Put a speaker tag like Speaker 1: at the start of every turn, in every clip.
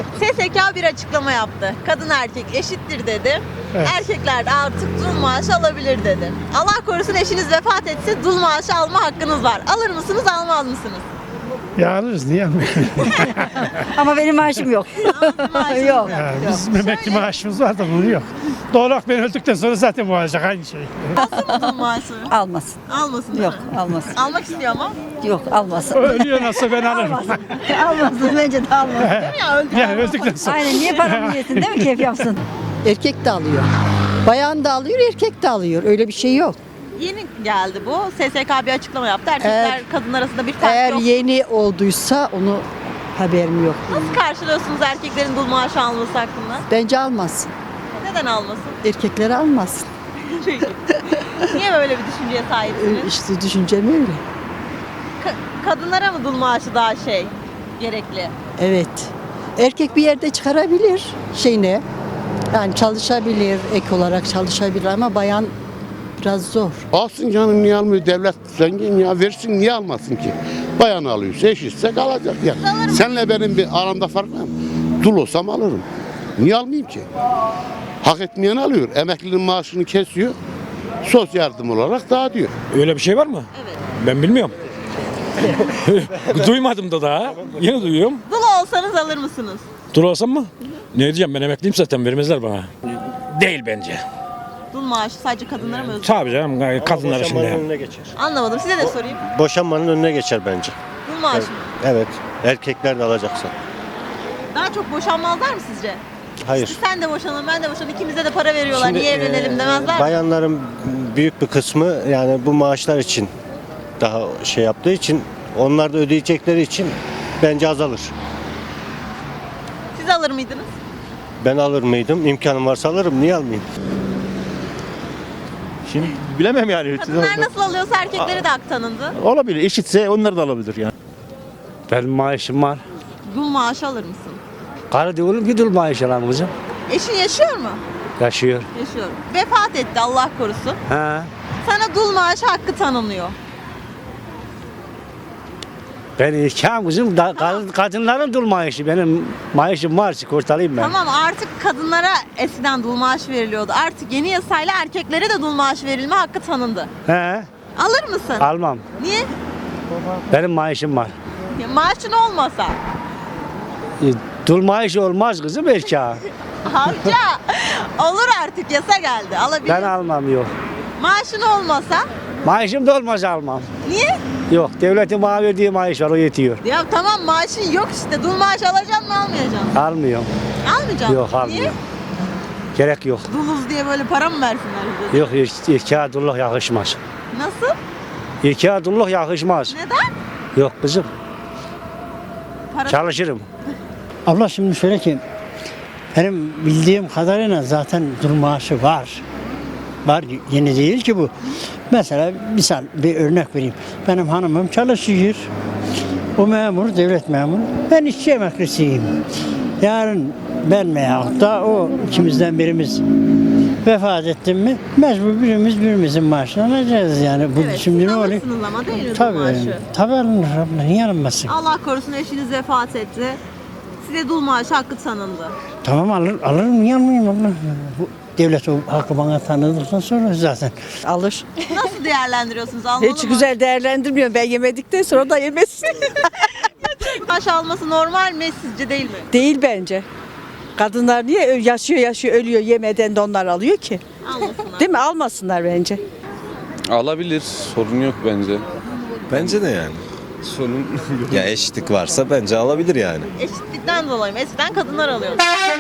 Speaker 1: SSK bir açıklama yaptı. Kadın erkek eşittir dedi.
Speaker 2: Evet.
Speaker 1: Erkekler de artık dul maaşı alabilir dedi. Allah korusun eşiniz vefat etse dul maaşı alma hakkınız var. Alır mısınız, almaz mısınız?
Speaker 2: Ya alırız niye almayalım?
Speaker 3: Ama benim maaşım yok.
Speaker 1: Maaşınız
Speaker 3: Yok.
Speaker 2: Ya, bizim emekli maaşımız var da bunun yok. Doğal olarak ben öldükten sonra zaten bu olacak aynı şey.
Speaker 1: Nasıl mı dul maaşı?
Speaker 3: Almasın.
Speaker 1: Almasın değil
Speaker 3: Yok,
Speaker 1: mi?
Speaker 3: almasın.
Speaker 1: Almak istiyor ama.
Speaker 3: Yok, almasın.
Speaker 2: Ölüyor nasıl ben alırım.
Speaker 3: Almasın, bence de almasın.
Speaker 1: Ya öldü.
Speaker 2: Yani öldükten sonra.
Speaker 3: Aynen, niye paramı yesin değil mi, keyif yapsın?
Speaker 4: Erkek de alıyor. Bayan da alıyor, erkek de alıyor. Öyle bir şey yok.
Speaker 1: Yeni geldi bu. SSK bir açıklama yaptı. Erkekler kadın arasında bir fark
Speaker 4: Eğer
Speaker 1: yok.
Speaker 4: yeni olduysa onu haberim yok.
Speaker 1: Nasıl karşılıyorsunuz erkeklerin dul maaşı alması hakkında?
Speaker 4: Bence almasın.
Speaker 1: Neden almasın?
Speaker 4: Erkekleri almasın.
Speaker 1: Peki. Niye böyle bir düşünceye sahipsiniz?
Speaker 4: İşte düşüncem öyle.
Speaker 1: Kadınlara mı dul maaşı daha gerekli?
Speaker 4: Evet. Erkek bir yerde çıkarabilir şeyine. Yani çalışabilir, ek olarak çalışabilir ama bayan biraz zor.
Speaker 5: Alsın canım niye almıyor? Devlet zengin ya versin niye almasın ki? Bayan alıyorsa eşitsek alacak ya. Senle benim bir aramda fark var mı? Dul olsam alırım. Niye almayayım ki? Hak etmeyen alıyor. Emeklinin maaşını kesiyor. Sosyal yardım olarak dağıtıyor.
Speaker 6: Öyle bir şey var mı?
Speaker 1: Evet.
Speaker 6: Ben bilmiyorum. Duymadım da daha. Yeni duyuyorum.
Speaker 1: Dul olsanız alır mısınız?
Speaker 6: Dur olsam mı? Ne diyeceğim, ben emekliyim zaten, vermezler bana. Değil bence.
Speaker 1: Dul maaşı sadece kadınlara mı özgü?
Speaker 6: Tabii canım, kadınlar
Speaker 7: Boşanmanın
Speaker 6: şimdi.
Speaker 7: önüne geçer.
Speaker 1: Anlamadım. Size de sorayım.
Speaker 7: Boşanmanın önüne geçer bence.
Speaker 1: Dul maaşı mı?
Speaker 7: Evet. Erkekler de alacaksa.
Speaker 1: Daha çok boşanmazlar mı sizce?
Speaker 7: Hayır.
Speaker 1: Sen de boşanın, ben de boşanın. İkimize de para veriyorlar. Niye evlenelim demezler mi?
Speaker 7: Bayanların büyük bir kısmı yani bu maaşlar için daha şey yaptığı için, onlar da ödeyecekleri için bence azalır.
Speaker 1: Siz alır mıydınız?
Speaker 7: Ben alır mıydım? İmkanım varsa alırım. Niye almayayım?
Speaker 8: Şimdi bilemem yani.
Speaker 1: Kadınlar nasıl alıyorsa erkekleri de hak tanındı.
Speaker 8: Olabilir. Eşitse onlar da alabilir yani.
Speaker 9: Benim maaşım var.
Speaker 1: Dul maaşı alır mısın?
Speaker 9: Karı diyorum ki dul maaş alalım kızım.
Speaker 1: Eşin yaşıyor mu?
Speaker 9: Yaşıyor.
Speaker 1: Yaşıyor. Vefat etti Allah korusun.
Speaker 9: Ha.
Speaker 1: Sana dul maaşı hakkı tanınıyor.
Speaker 9: Ben erkeğim kızım. Kadınların dul maaşı. Benim maaşım var. Sigortalıyım ben.
Speaker 1: Tamam artık kadınlara eskiden dul maaşı veriliyordu. Artık yeni yasayla erkeklere de dul maaşı verilme hakkı tanındı.
Speaker 9: He.
Speaker 1: Alır mısın?
Speaker 9: Almam.
Speaker 1: Niye?
Speaker 9: Benim maaşım var.
Speaker 1: Ya maaşın olmasa.
Speaker 9: Dul maaşı olmaz kızım erkeğe.
Speaker 1: Amca olur artık yasa geldi. Alabilir.
Speaker 9: Ben almam yok.
Speaker 1: Maaşın olmasa.
Speaker 9: Maaşım da olmaz almam.
Speaker 1: Niye?
Speaker 9: Yok. Devletin bana verdiği maaş var. O yetiyor.
Speaker 1: Ya tamam maaşın yok işte. Dul maaş alacaksın mı almayacaksın?
Speaker 9: Almıyorum.
Speaker 1: Almayacaksın.
Speaker 9: Yok
Speaker 1: Niye?
Speaker 9: almıyorum. Gerek yok.
Speaker 1: Duluz diye böyle para mı versinler bize?
Speaker 9: Yok erkeğe dulluk yakışmaz.
Speaker 1: Nasıl?
Speaker 9: Erkeğe dulluk yakışmaz.
Speaker 1: Neden?
Speaker 9: Yok kızım.
Speaker 1: Para...
Speaker 9: Çalışırım.
Speaker 10: Abla şimdi şöyle ki benim bildiğim kadarıyla zaten dur maaşı var. Var, yeni değil ki bu. Mesela misal bir örnek vereyim. Benim hanımım çalışıyor. O memur, devlet memuru. Ben işçi emeklisiyim. Yarın ben veyahut da o ikimizden birimiz vefat ettim mi mecbur birimizin maaşını alacağız yani. Bu
Speaker 1: Evet,
Speaker 10: şimdi
Speaker 1: siz
Speaker 10: ne oluyor?
Speaker 1: alırsınız ama değil mi dul
Speaker 10: Tabii,
Speaker 1: maaşı?
Speaker 10: tabii alınır abla. Niye alınmasın?
Speaker 1: Allah korusun eşiniz vefat etti. Size dul maaşı hakkı tanındı.
Speaker 10: Tamam alırım niye almayayım abla? Bu devlet o hakkı bana tanıdıktan sonra zaten.
Speaker 3: Alır.
Speaker 1: Nasıl değerlendiriyorsunuz? Almalı
Speaker 3: Hiç
Speaker 1: mı?
Speaker 3: güzel değerlendirmiyorum. Ben yemedikten sonra da yemesin.
Speaker 1: Maaş alması normal mi sizce değil mi?
Speaker 3: Değil bence. Kadınlar niye yaşıyor ölüyor yemeden de onlar alıyor ki?
Speaker 1: Almasınlar.
Speaker 3: Değil mi? Almasınlar bence.
Speaker 11: Alabilir. Sorun yok bence.
Speaker 7: Bence de yani.
Speaker 11: Sorun
Speaker 7: Ya eşitlik varsa bence alabilir yani.
Speaker 1: Eşitlikten dolayı mı? Eskiden kadınlar alıyordu.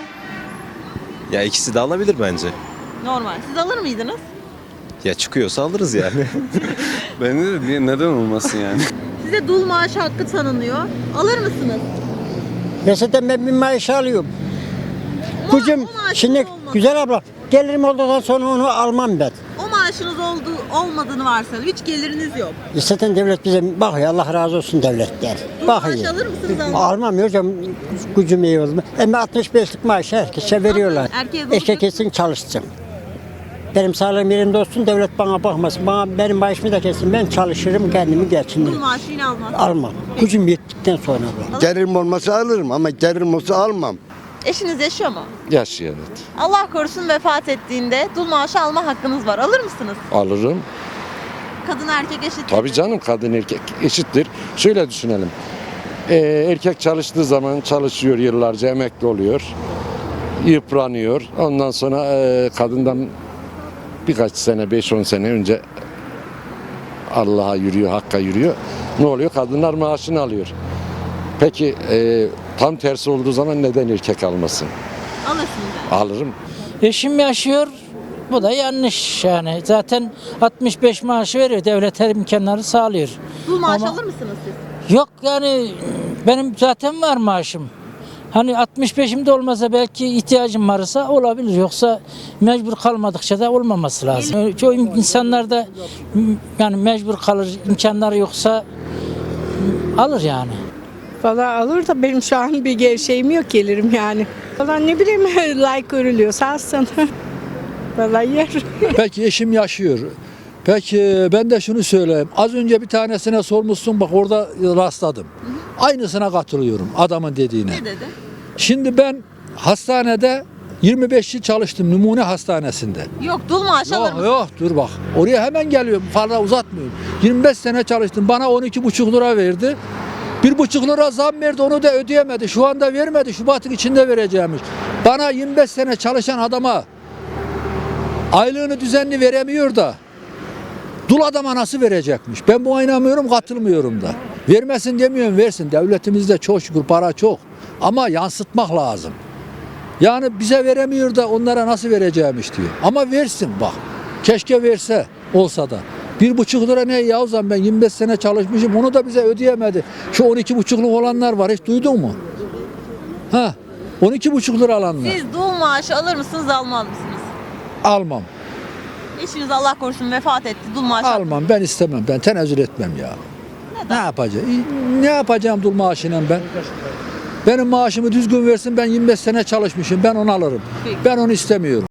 Speaker 7: Ya ikisi de alabilir bence.
Speaker 1: Normal. Siz alır mıydınız?
Speaker 7: Ya çıkıyorsa alırız yani.
Speaker 11: bence de neden olmasın yani?
Speaker 1: Size dul maaşı hakkı tanınıyor. Alır mısınız?
Speaker 10: Mesela ben bir maaş alıyorum. Gücüm
Speaker 1: o maaşınız
Speaker 10: şimdi
Speaker 1: olmadı.
Speaker 10: güzel abla gelirim olduktan sonra onu almam ben.
Speaker 1: O maaşınız olmadığını varsayalım. Hiç geliriniz yok.
Speaker 10: Zaten devlet bize bakıyor Allah razı olsun devletten.
Speaker 1: Dul maaş
Speaker 10: Bakıyor.
Speaker 1: alır mısınız?
Speaker 10: Almam ya hocam gücüm iyi oldu. Ama 65'lik maaşı herkese veriyorlar.
Speaker 1: Erkeğe dul
Speaker 10: Erkek kesin çalışsın. Benim sağlığım yerinde olsun, devlet bana bakmasın. Benim maaşımı da kesin. Ben çalışırım, kendimi
Speaker 1: Dul
Speaker 10: geçindiririm.
Speaker 1: maaşı yine almaz.
Speaker 10: Almam. Gücüm yettikten sonra bu.
Speaker 12: Gelirim olmasa alırım ama gelirim olsa almam.
Speaker 1: Eşiniz yaşıyor mu?
Speaker 12: Yaşıyor evet.
Speaker 1: Allah korusun vefat ettiğinde dul maaşı alma hakkınız var. Alır mısınız?
Speaker 12: Alırım.
Speaker 1: Kadın erkek eşit.
Speaker 12: Tabii canım, kadın erkek eşittir. Şöyle düşünelim. Erkek çalıştığı zaman çalışıyor, yıllarca emekli oluyor. Yıpranıyor. Ondan sonra kadından birkaç sene, 5-10 sene önce Allah'a yürüyor, Hakk'a yürüyor. Ne oluyor? Kadınlar maaşını alıyor. Peki tam tersi olduğu zaman neden erkek almasın?
Speaker 1: Alırsınız yani.
Speaker 12: Alırım.
Speaker 3: Eşim yaşıyor. Bu da yanlış yani. Zaten 65 maaşı veriyor. Devlet her imkanları sağlıyor.
Speaker 1: Dul maaşı
Speaker 3: Ama-
Speaker 1: alır mısınız siz?
Speaker 3: Yok yani benim zaten var maaşım. Hani 65'imde olmasa belki ihtiyacım varsa olabilir. Yoksa mecbur kalmadıkça da olmaması lazım. Çoğu insanlar da yani mecbur kalır, imkanları yoksa alır yani.
Speaker 13: Valla alır da benim şu an bir şeyim yok, gelirim yani. Valla ne bileyim like görülüyorsa alsın. Valla yer.
Speaker 9: Peki eşim yaşıyor. Peki ben de şunu söyleyeyim. Az önce bir tanesine sormuşsun, bak orada rastladım. Aynısına katılıyorum adamın dediğine.
Speaker 1: Ne dedi?
Speaker 9: Şimdi ben hastanede 25 yıl çalıştım, numune hastanesinde.
Speaker 1: Yok, dul maaşı alır
Speaker 9: Yok
Speaker 1: mısınız?
Speaker 9: yok dur bak. Oraya hemen geliyorum. Fazla uzatmıyorum. 25 sene çalıştım. Bana 12,5 lira verdi. 1,5 lira zam verdi. Onu da ödeyemedi. Şu anda vermedi. Şubat'ın içinde vereceğimiş. Bana 25 sene çalışan adama aylığını düzenli veremiyor da dul adama nasıl verecekmiş? Ben buna inanmıyorum, katılmıyorum da. Vermesin demiyorum, versin. Devletimizde çok şükür para çok. Ama yansıtmak lazım. Yani bize veremiyor da onlara nasıl vereceğimiş diyor. Ama versin bak. Keşke verse, olsa da. 1,5 lira ne Yavuzan, ben 25 sene çalışmışım, onu da bize ödeyemedi. Şu 12,5'luk olanlar var, hiç duydun mu? Ha, 12,5 lira alanlar.
Speaker 1: Siz dul maaşı alır mısınız, almaz mısınız?
Speaker 9: Almam.
Speaker 1: Eşiniz Allah korusun vefat etti. Dul maaşı
Speaker 9: Almam, ben istemem, ben tenezzül etmem ya. Ne yapacağım? Ne yapacağım dul maaşıyla ben? Benim maaşımı düzgün versin, ben 25 sene çalışmışım, ben onu alırım.
Speaker 1: Peki.
Speaker 9: Ben onu istemiyorum.